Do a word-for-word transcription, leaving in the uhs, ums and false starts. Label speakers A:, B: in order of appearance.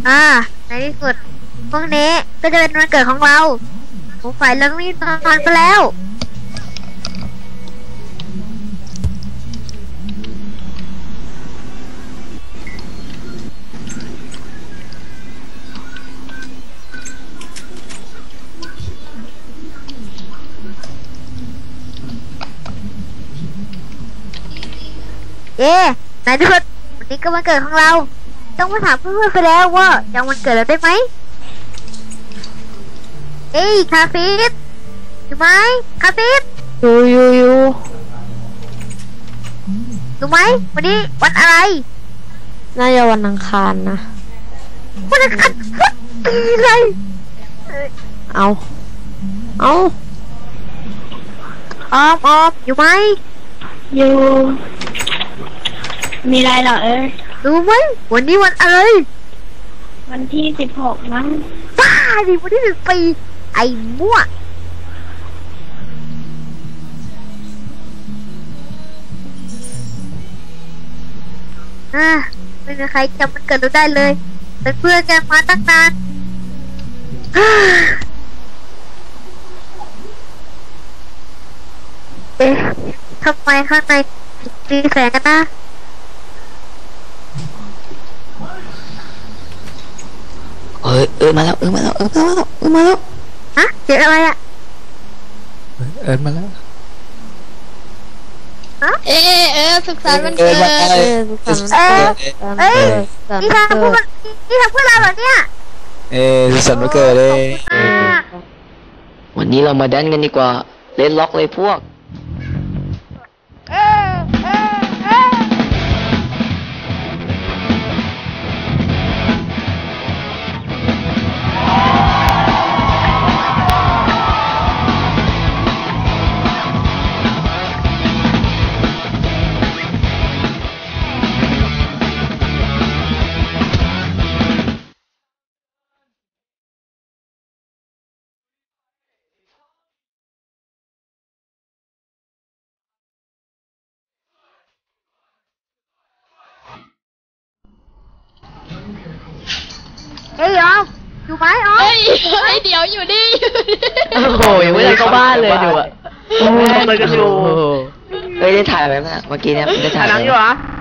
A: อ่าในที่สุดพวกนี้ก็จะเป็นวันเกิดของเราผมฝ่ายเรื่องนี้นอนไปแล้วเย้ในที่สุดวันนี้ก็วันเกิดของเราต้องมาถามเพื่อนๆไปแล้วว่ายังวันเกิดเราได้ไหมเอ้ยคาฟิสอยู่ไหมคาฟิส
B: อยู่อยู่อยู่
A: อยู่ไหมวันนี้วันอะไร
B: น่าจะวันอังคารนะ
A: วันอังคารปีเลย
B: เอาเอา
A: ออมออมอยู่ไหม
C: อยู่มีอะไรเหรอเอ้ย
A: รู้ไหมวันนี้วันอะไร
C: วันที่สิบหกมั้ง
A: บ้าดิวันที่สิบปีไอ้มั่วอ่ะไม่มีใครจำมันเกิดเราได้เลยเป็นเพื่อนกันมาตั้งนานเอ๊ะทำไมข้างในมีแสงกันนะ
D: เอ้ยเอิร์ธมาแล้วเอิร์ธมาแล้วเอิร์ธมาแล้วเอิร์ธมาแล้ว
A: ฮะเสียงอะไรอ่ะ
D: เอิร์ธมาแล้ว
A: ฮะ
B: เอ๊ะเอ๊ะสุขสันต์วันเกิดเอ๊ะสุขสันต์วันเกิด
A: เอ้ยนี่ทำเพื่อนี่ทำเพื่อเราเหรอเนี่ย
D: เอ๊ะสุขสันต์วันเกิดเลยวันนี้เรามาแดนกันดีกว่าเล่นล็อกเลยพวก
A: เอ้ยออมอยู่ไหมออม
B: เฮ้ยเฮ้ยเดี๋ยวอยู่ดิ
D: โอ้โหยังไม่ได้เข้าบ้านเลยดูอ่ะ
C: ทำอะไรกันอยู่
D: เอ้ยได้ถ่ายไหมเมื่อกี้เนี่ยได้ถ่าย
C: หนังอยู่เหรอ